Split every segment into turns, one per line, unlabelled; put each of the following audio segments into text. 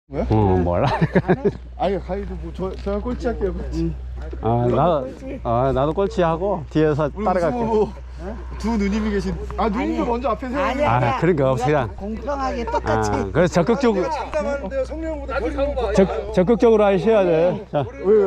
뭐야?
몰라.
아니 가이드 뭐 저랑 꼴찌 할게요 꼴찌.
나도 꼴찌하고 뒤에서 따라갈게.
두 누님이 계신. 누님도 먼저 앞에 세요.
아니야. 그러니까 그냥
공평하게 똑같이.
그래서 적극적으로
장담하는데요. 성령보다
적극적으로 하셔야 돼. 자,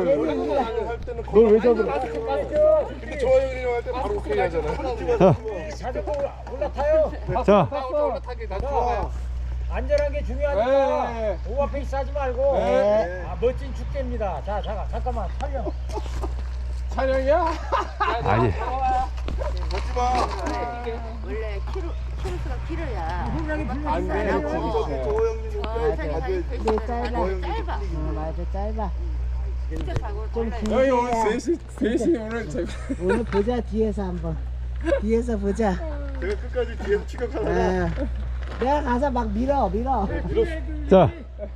널왜 잡으러? 근데 저 형이랑 할 때 바로 오케이 하잖아.
자전거 올라타요.
자,
올라타기 다 좋아.
안전한 게 중요하니까 오버페이스 하지 말고.
네.
멋진 축제입니다. 자, 잠깐만 촬영.
촬영이야?
아니.
먹지 마.
원래 키로수가 길어야
안 돼. 조 형님.
짧아. 맞아, 짧아. 좀
형이 오늘
길게.
셋이 오늘 제가
오늘 보자, 뒤에서 한번. 뒤에서 보자.
끝까지 뒤에서 추격하다가
아, 내가 가서 막 밀어.
자,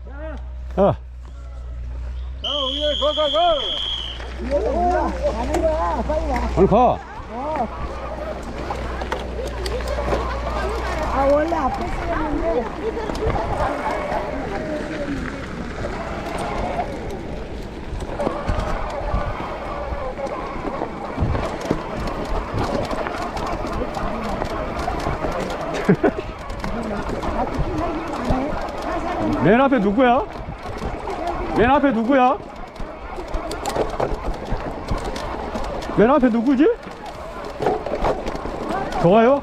우리 가.
뒤에서 밀어. 가는 거야. 빨리 와.
오늘 가.
원래 앞에 쓰였는데.
맨 앞에 누구야? 맨 앞에 누구야? 맨 앞에 누구지? 좋아요?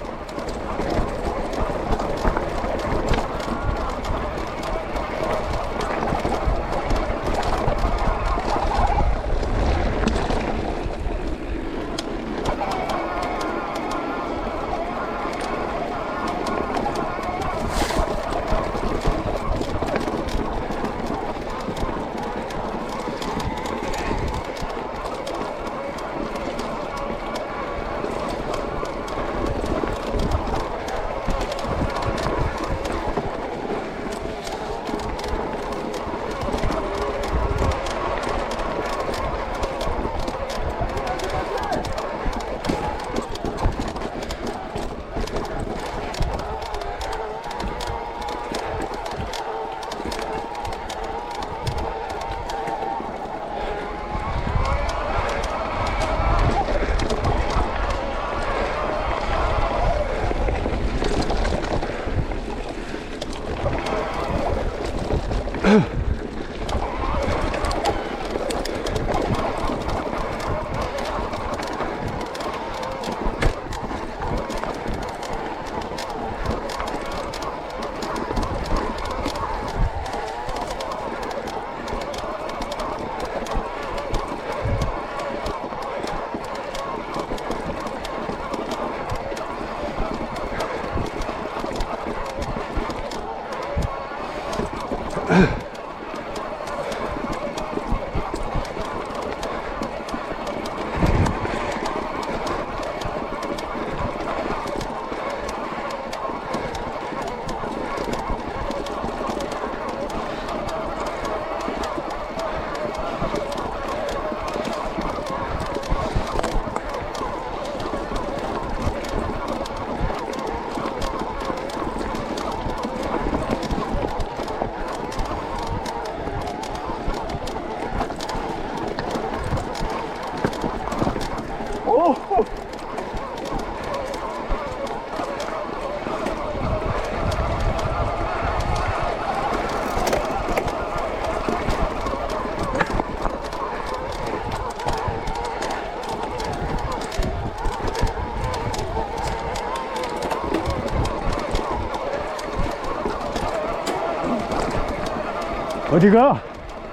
어디가?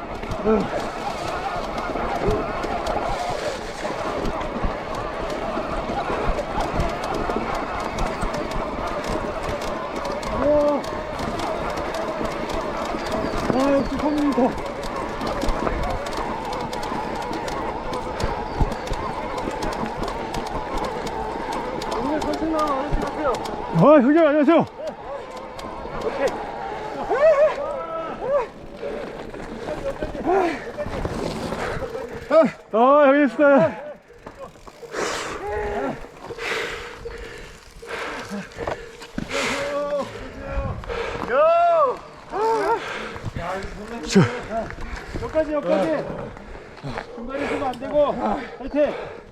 역시 컴퓨터. 오늘 선생님 안녕하세요.
형님 안녕하세요. 형님 수고해. 여기까지 여기까지. 중간에 쓰면 안 되고. 화이팅.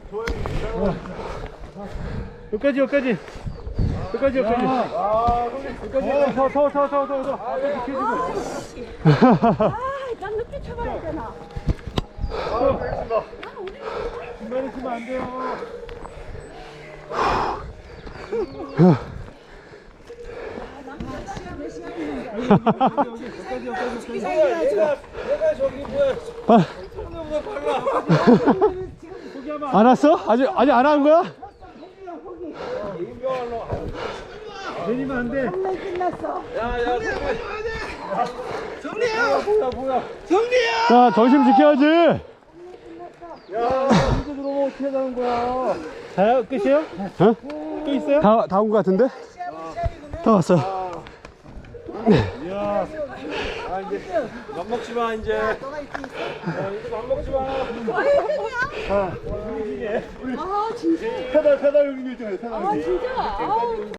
여기까지 여기까지. 여기까지 여기까지. 여기까지. 더. 앞에 비켜주고.
난 늦게 쳐봐야 했잖아.
중간에 쓰면 안 돼요. 안 왔어? 아직 안 한 거야? 내리면 안 돼. 자, 정신 지켜야지.
이제 들어오면 어떻게 하자는 거야?
다 끝이에요? 어? 또 있어요? 다 온 거 같은데? 다 왔어.
이야. 아 이제 밥 먹지 마 이제. 이제 밥 먹지 마.
아 진짜.
페달 여기 있잖아요. 페달 여기.
아 진짜. 아우.